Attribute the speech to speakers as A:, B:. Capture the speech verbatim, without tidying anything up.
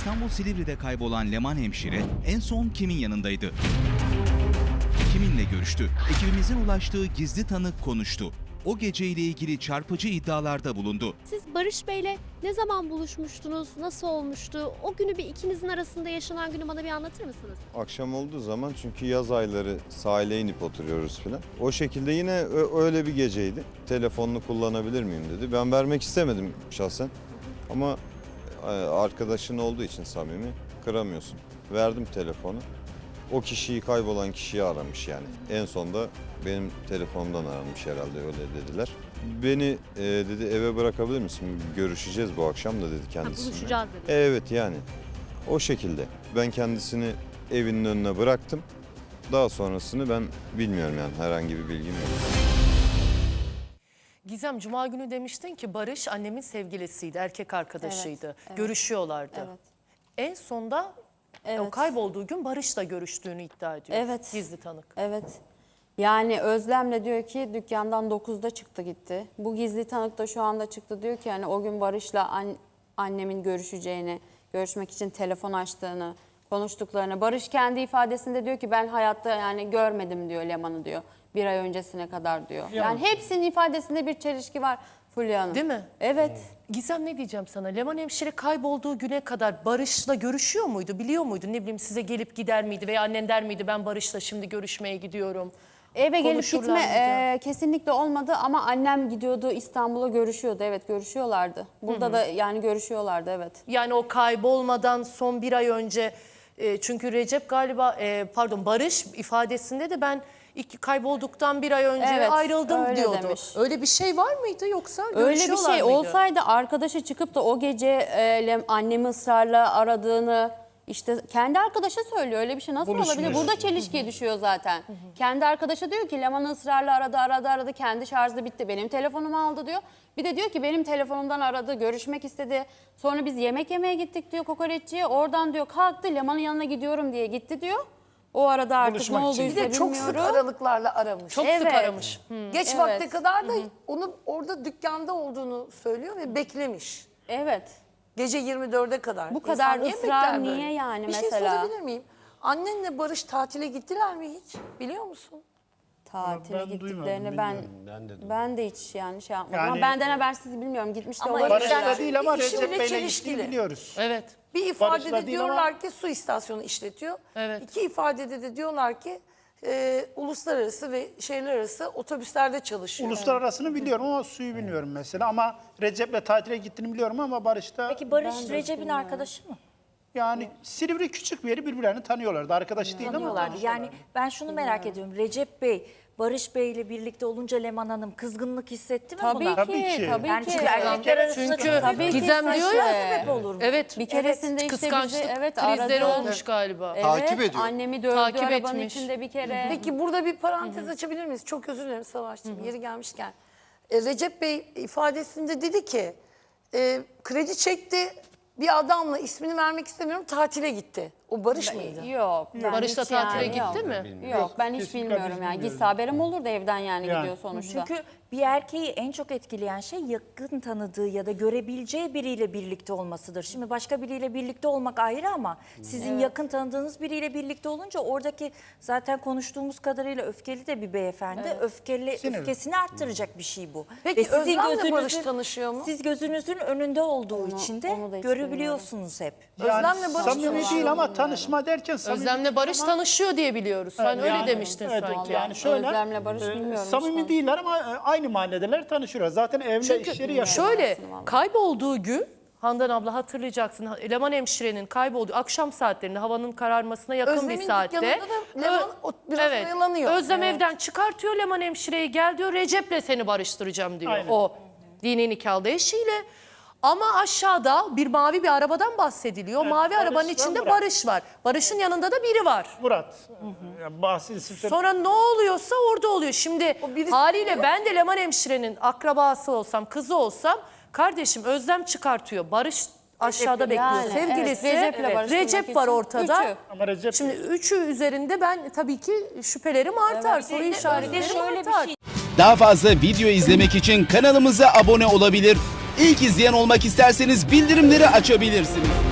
A: İstanbul Silivri'de kaybolan Leman hemşire en son kimin yanındaydı? Kiminle görüştü? Ekibimizin ulaştığı gizli tanık konuştu. O geceyle ilgili çarpıcı iddialarda bulundu.
B: Siz Barış Bey'le ne zaman buluşmuştunuz? Nasıl olmuştu? O günü bir ikinizin arasında yaşanan günü bana bir anlatır mısınız?
C: Akşam olduğu zaman çünkü yaz ayları sahile inip oturuyoruz filan. O şekilde yine öyle bir geceydi. Telefonunu kullanabilir miyim dedi. Ben vermek istemedim şahsen. Ama arkadaşın olduğu için samimi kıramıyorsun. Verdim telefonu. O kişiyi kaybolan kişiyi aramış yani. En sonda benim telefonumdan aranmış herhalde öyle dediler. Beni e, dedi eve bırakabilir misin? Görüşeceğiz bu akşam da dedi kendisine.
B: Ha, buluşacağız dedi.
C: Evet yani o şekilde. Ben kendisini evinin önüne bıraktım. Daha sonrasını ben bilmiyorum yani herhangi bir bilgim yok.
D: Gizem, Cuma günü demiştin ki Barış annemin sevgilisiydi, erkek arkadaşıydı.
E: Evet, evet.
D: Görüşüyorlardı.
E: Evet.
D: En sonda
E: Evet.
D: o kaybolduğu gün Barış'la görüştüğünü iddia ediyor.
E: Evet.
D: Gizli tanık.
E: Evet. Yani Özlem'le diyor ki dükkandan dokuzda çıktı gitti. Bu gizli tanık da şu anda çıktı diyor ki yani o gün Barış'la an, annemin görüşeceğini, görüşmek için telefon açtığını, konuştuklarını. Barış kendi ifadesinde diyor ki ben hayatta yani görmedim diyor Leman'ı diyor. Bir ay öncesine kadar diyor. Yani hepsinin ifadesinde bir çelişki var Fulya Hanım.
D: Değil mi?
E: Evet.
D: Gizem, ne diyeceğim sana? Leman hemşire kaybolduğu güne kadar Barış'la görüşüyor muydu? Biliyor muydu? Ne bileyim, size gelip gider miydi? Veya annen der miydi ben Barış'la şimdi görüşmeye gidiyorum?
E: Eve gelip
D: Konuşurlar
E: gitme
D: mıydı?
E: e, kesinlikle olmadı ama annem gidiyordu İstanbul'a görüşüyordu. Evet görüşüyorlardı. Burada da yani görüşüyorlardı evet.
D: Yani o kaybolmadan son bir ay önce e, çünkü Recep galiba e, pardon Barış ifadesinde de ben ilk kaybolduktan bir ay önce
E: Evet,
D: ayrıldım
E: öyle
D: diyordu.
E: demiş.
D: Öyle bir şey var mıydı yoksa
E: Öyle bir
D: görüşüyorlar
E: şey
D: mıydı?
E: olsaydı arkadaşı çıkıp da o gece e, Lem- annemi ısrarla aradığını işte kendi arkadaşa söylüyor. Öyle bir şey nasıl olabilir? Burada çelişkiye düşüyor zaten. Kendi arkadaşa diyor ki Leman'ı ısrarla aradı aradı aradı kendi şarjı bitti benim telefonumu aldı diyor. Bir de diyor ki benim telefonumdan aradı görüşmek istedi. Sonra biz yemek yemeye gittik diyor kokoreççiye. Oradan diyor kalktı Leman'ın yanına gidiyorum diye gitti diyor. O arada artık
F: Buluşmak
E: ne
F: için.
E: olduysa
F: Bir de çok sık
E: bilmiyorum.
F: aralıklara aramış.
D: Çok sık
E: Evet.
D: aramış.
F: Geç
E: Evet.
F: vakte kadar da onu orada dükkanda olduğunu söylüyor ve beklemiş.
E: Evet.
F: Gece yirmi dörde kadar.
E: Bu kadar
F: İnsan niye
E: ısrar
F: bekler
E: niye
F: böyle?
E: yani
F: Bir
E: mesela?
F: şey sorabilir miyim? Annenle Barış tatile gittiler mi hiç? Biliyor musun?
E: Tatile
G: Ben
E: gittiklerini
G: duymadım,
E: ben
G: bilmiyorum.
E: ben de, hiç yani şey yapmadım
G: Yani-
E: ama benden habersiz bilmiyorum gitmiş de
F: Ama
E: olabilir.
G: Barış'la
F: Yani-
G: değil ama
F: İkisi
G: Recep
F: bile
G: Bey'le
F: çelişkili.
G: gittiğini biliyoruz.
D: Evet.
F: Bir
G: Barış'la
F: ifadede
G: değil
F: diyorlar
G: ama-
F: ki su istasyonu işletiyor.
D: Evet.
F: İki ifadede de diyorlar ki e, uluslararası ve şehirler arası otobüslerde çalışıyor.
G: Uluslararasını biliyorum ama suyu bilmiyorum mesela. Ama Recep'le tatile gittiğini biliyorum ama Barış'ta
H: Peki Barış Recep'in arkadaşı mı?
G: yani Silivri küçük bir yeri birbirlerini tanıyorlardı. Arkadaş değil ama
H: Tanıyorlardı. Yani ben şunu merak ediyorum. Recep Bey, Barış Bey ile birlikte olunca Leman Hanım kızgınlık hissetti mi
E: Tabii
H: buna?
E: ki,
G: Tabii ki.
E: tabii
H: Yani
E: ki.
H: çünkü erkekler arasında
D: Çünkü
H: çok
E: Tabii ki
D: Gizem diyor ya.
E: saçma.
H: sebep olur mu?
D: Evet.
E: Bir keresinde işte
D: Kıskançlık
E: bizi evet
D: krizleri
E: aradı.
D: olmuş galiba.
E: Evet,
C: Takip ediyor.
E: annemi dövdü
D: Takip
E: arabanın
D: etmiş.
E: içinde bir kere.
F: Peki burada bir parantez açabilir miyiz? Çok özür dilerim Savaş'cığım yeri gelmişken. E, Recep Bey ifadesinde dedi ki e, kredi çekti bir adamla ismini vermek istemiyorum tatile gitti. O Barış mıydı?
E: Yok. ben
D: Barış'la
E: hiç
D: tatile
E: yani
D: gitti
E: yok.
D: mi?
E: Yok ben hiç
G: Kesinlikle
E: bilmiyorum
G: biz
E: yani.
G: bilmiyoruz.
E: Gitse haberim olurdu evden yani,
G: Yani.
E: gidiyor sonuçta.
H: Çünkü bir erkeği en çok etkileyen şey yakın tanıdığı ya da görebileceği biriyle birlikte olmasıdır. Şimdi başka biriyle birlikte olmak ayrı ama sizin yakın tanıdığınız biriyle birlikte olunca oradaki zaten konuştuğumuz kadarıyla öfkeli de bir beyefendi. Öfkeli,
G: Sinirli.
H: öfkesini arttıracak bir şey bu.
F: Peki
H: sizin
F: Özlem'le Barış
H: gözünüzün-
F: tanışıyor mu?
H: Siz gözünüzün önünde olduğu için de
E: onu da hiç
H: görebiliyorsunuz hep.
G: yani
F: Özlem'le Barış
G: samimi
F: tanışıyor
G: değil ama tanışma derken samimi
D: Özlem'le Barış tanışıyor diye biliyoruz. Sen öyle
G: Yani-
D: demiştin
G: evet,
D: sanki.
G: Yani şöyle,
E: Özlem'le Barış
G: e,
E: bilmiyorum
G: samimi
E: işte.
G: değiller ama e, aynı mahalledeler tanışıyorlar. Zaten evle
D: Çünkü
G: işleri yaşıyor.
D: şöyle
E: aslında vallahi.
D: kaybolduğu gün Handan abla hatırlayacaksın. Leman hemşirenin kaybolduğu akşam saatlerinde havanın kararmasına yakın
F: Özlem'in
D: bir saatte.
F: dükkanında da Leman o- biraz
D: evet.
F: oyalanıyor.
D: Özlem evden çıkartıyor Leman hemşireyi, gel diyor Recep'le seni barıştıracağım diyor.
G: Aynen.
D: O dini nikahlı eşiyle. Ama aşağıda bir mavi bir arabadan bahsediliyor.
G: Evet,
D: mavi
G: Barış
D: arabanın
G: ve
D: içinde
G: Murat.
D: Barış var. Barış'ın yanında da biri var.
G: Murat. Yani bahsedilsin.
D: Sonra ne oluyorsa orada oluyor. Şimdi
F: birisi-
D: haliyle ben de Leman hemşirenin akrabası olsam, kızı olsam kardeşim Özlem çıkartıyor. Barış aşağıda bekliyor.
E: Yani,
D: Sevgilisi
E: evet, Recep'le barıştırmak
D: Recep var
E: için
D: ortada.
E: üçü.
G: Ama Recep
D: Şimdi üçü üzerinde ben tabii ki şüphelerim artar. Soru işaretlerim
H: şöyle bir
D: artar.
H: şey-
A: Daha fazla video izlemek için kanalımıza abone olabilir. İlk izleyen olmak isterseniz bildirimleri açabilirsiniz.